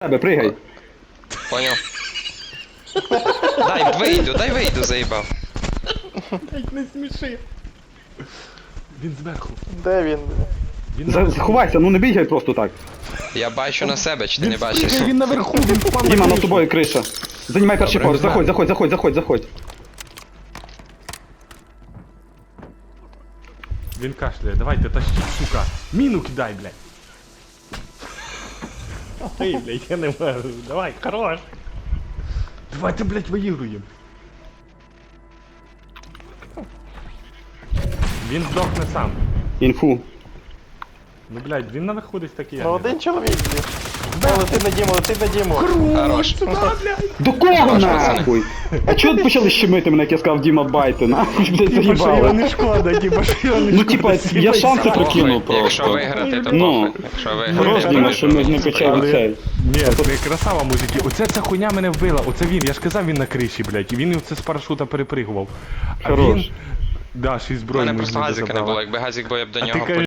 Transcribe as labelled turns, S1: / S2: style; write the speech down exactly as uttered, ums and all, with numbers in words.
S1: Тебе, пригай.
S2: Понял. Дай вийду, дай вийду, заїбав.
S3: Блять, не сміши. Він зверху.
S4: Де він?
S3: Він
S1: За-
S3: наверху.
S1: Ховайся, ну не бігай просто так.
S2: Я бачу на себе, чи ти
S3: Він
S2: не бачиш?
S3: спригає, він наверху, він впав на
S1: Діма, над
S3: кришу.
S1: тобою криша. Займай перший
S2: Добре,
S1: поверх,
S2: знаю.
S1: заходь, заходь, заходь, заходь, заходь.
S3: Він кашляє, давайте, тащіть, сука. Міну кидай, блядь. Ой, блядь, я не можу. Давай, хорош. Давайте, блядь, виігруємо. Він здохне сам.
S1: Інфу.
S3: Ну, блядь, він наверху десь такий.
S4: Ну один чоловік є. О, летить на Діму, летить на Діму.
S2: Хорош.
S1: До кого
S2: Хорош, пацани.
S1: нахуй? А чого ви почали щемити мене, як я сказав Діма Байте, нахуй, блядь,
S3: Типа, що його
S1: заїбало.
S3: не шкода, типа, що його не
S1: Ну,
S3: шкода.
S1: типа, я шанси
S3: Сіпай
S1: прокинув
S2: Похуй, Якщо
S1: просто.
S2: виграти, то
S1: Ну.
S2: похуй. Якщо
S1: Хорош,
S2: виграти,
S1: Діма,
S2: то
S1: що ми не почали
S3: Але-
S1: цей.
S3: Ні, це красава мужики. Оце ця хуйня мене вбила. Оце він. Я ж казав, він на криші, блядь. І він оце з парашута перепригував. А
S1: Хорош.
S3: він... Да, шість
S2: У
S3: зброї.
S2: мене
S3: ми
S2: просто
S3: з нього
S2: газика не
S3: забрали.
S2: було, якби газик був, я б до
S3: А ти
S2: нього
S3: кажеш,